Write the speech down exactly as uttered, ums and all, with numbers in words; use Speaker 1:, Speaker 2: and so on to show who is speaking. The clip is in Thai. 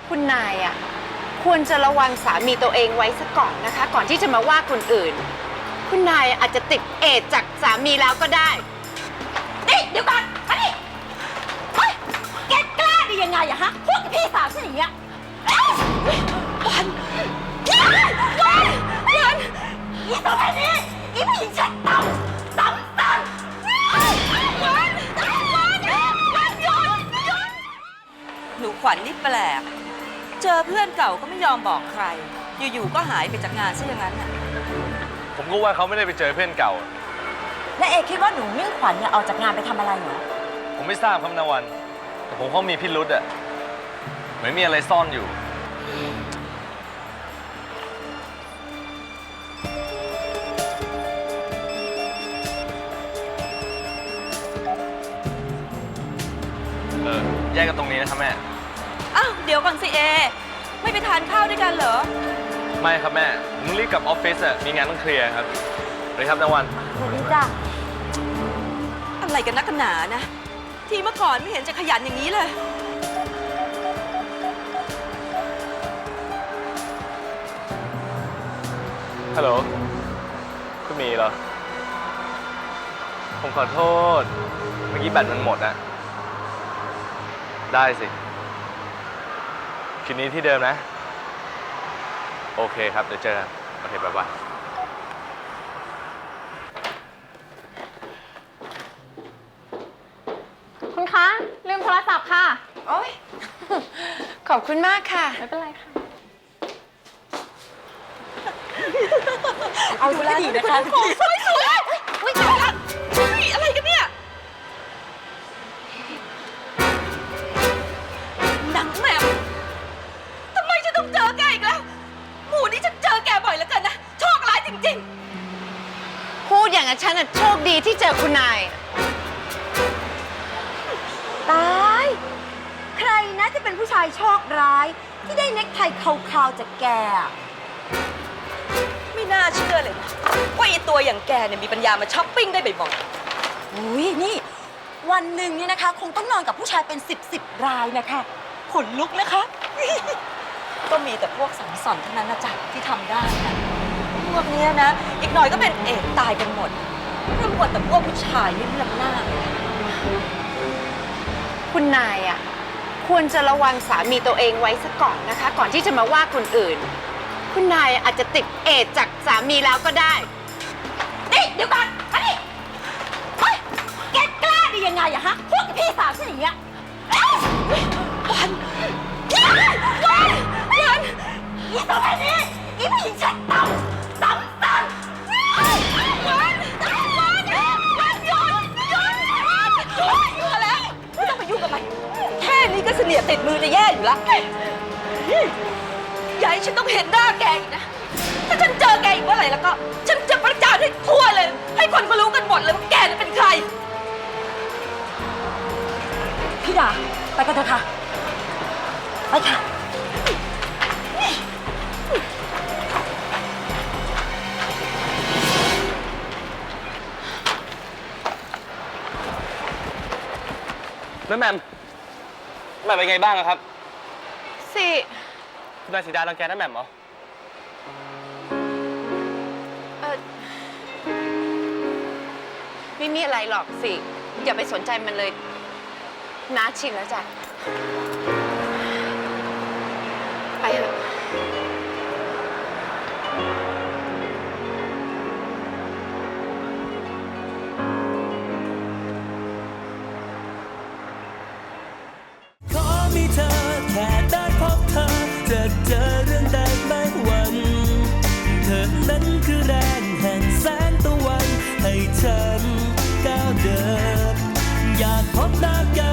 Speaker 1: คุณนายอ่ะควรจะระวังสามีตัวเองไว้ซะก่อนนะคะ ก่อนที่จะมาว่าคนอื่นคุณนายอาจจะติดเอดส์จากสามีแล้วก็ได้นี่เดี๋ยวก่อนมาดิเฮ้ยแกกล้าได้ยังไงอะฮะพูดกับพี่สาวฉันอย่างเงี้ยวันวันวันวันอีตัวแบบนี้อีผู้หญิงฉันต่ำต่ำต่ำวันวันวันวันหยุดหยุด
Speaker 2: หนูขวัญนี่แปลกเจอเพื่อนเก่าก็ไม่ยอมบอกใครอยู่ๆก็หายไปจากงานซะอย่างนั้นน่ะ
Speaker 3: ผมก็ว่าเขาไม่ได้ไปเจอเพื่อนเก่า
Speaker 4: และเอคิดว่าหนูมิ่งขวัญเนี่ยออกจากงานไปทำอะไรเหรอ
Speaker 3: ผมไม่ทราบครับนาวันแต่ผมเขามีพิรุษอะเหมือนมีอะไรซ่อนอยู่เออแยกกันตรงนี้นะครับแม่
Speaker 2: อ้าวเดี๋ยวก่อนสิเอไม่ไปทานข้าวด้วยกันเหรอ
Speaker 3: ไม่ครับแม่ผมรีบกลับออฟฟิศอะมีงานต้องเคลียร์ครับสวัสดีครับนาวัน
Speaker 4: สวัสดีจ้ะ
Speaker 2: อะไรกันนักกันหนานะที่เมื่อก่อนไม่เห็นจะขยันอย่างนี้เลย
Speaker 3: ฮัลโหลคุณมีเหรอผมขอโทษเมื่อกี้แบตมันหมดอะได้สิคืนนี้ที่เดิมนะ โอเคครับ เดี๋ยวเจอกันโอเคบ๊ายบาย
Speaker 5: คุณคะ ลืมโทรศัพท์ค่ะ
Speaker 1: โอ๊ย ขอบคุณมากค่ะ
Speaker 5: ไม่เป็นไรค่ะ
Speaker 4: เอาซะดีนะคะ
Speaker 2: สวยสวยอุ้ยตายละเฮ้ยอะไรกันเนี่ยหนังแหม่มทำไมฉันต้องเจอแกอีกแล้วหมู่นี้ฉันเจอแกบ่อยแล้วกันนะโชคร้ายจริงๆ
Speaker 1: พูดอย่างนั้นฉันน่ะโชคดีที่เจอคุณนาย
Speaker 4: ตาย ใครนะจะเป็นผู้ชายโชคร้าย ที่ได้เน็กไทขาวๆจากแกอะ
Speaker 2: ไม่น่าเชื่อเลยนะว่าไอ้ตัวอย่างแกเนี่ยมีปัญญามาช้อปปิ้งได้บ่อย
Speaker 4: อุ้ยนี่ วันหนึ่งเนี่ยนะคะ คงต้องนอนกับผู้ชายเป็นสิบสิบรายนะคะขนลุกนะคะ
Speaker 2: ๆก็มีแต่พวกสังสรรค์เท่านั้นนะจ๊ะที่ทำได้นะพวกเนี้ยนะ อีกหน่อยก็เป็นเอกตายกันหมดเพราะหมดแต่พวกผู้ชายนี่เลือกหน้า
Speaker 1: คุณนายอ่ะควรจะระวังสามีตัวเองไว้ซะก่อนนะคะ ก่อนที่จะมาว่าคนอื่นคุณนายอาจจะติดเอดส์จากสามีแล้วก็ได้นี่เดี๋ยวก่อนมาดิเฮ้ยแกกล้าได้ยังไงอะฮะพูดกับพี่สาวฉันอย่างเงี้ยวันวันวันวันอีตัวแบบนี้อีผู้หญิงฉันต่ำต่ำต่ำวันวันวันวันหยุดหยุดหยุด
Speaker 2: พอแล้วไม่ต้องไปยุ่งกับมันแค่นี้ก็เสนียดติดมือจะแย่อยู่แล้วอย่าให้ฉันต้องเห็นหน้าแกอีกนะถ้าฉันเจอแกอีกเมื่อไหร่แล้วก็ ฉันจะประจานให้ทั่วเลย ให้คนเขารู้กันหมดเลยว่าแกนี่เป็นใคร
Speaker 4: พี่ดาไปกันเถอะค่ะ ไปค่ะ
Speaker 3: แล้วแมมแมมเป็นไงบ้างอะครับ
Speaker 1: สิ
Speaker 3: คุณนายสีดารังแกน้าแมมเหรอ
Speaker 1: เออไม่มีอะไรหรอกสิ อย่าไปสนใจมันเลยน้าชินแล้วจ้ะ ไปเถอะ
Speaker 6: ขอมีเธอแค่ได้พบเธอจะเจอเรื่องใดไม่หวั่นเธอนั้นคือแรงแห่งแสงตะวันให้ฉันก้าวเดินอยากพบหน้ากัน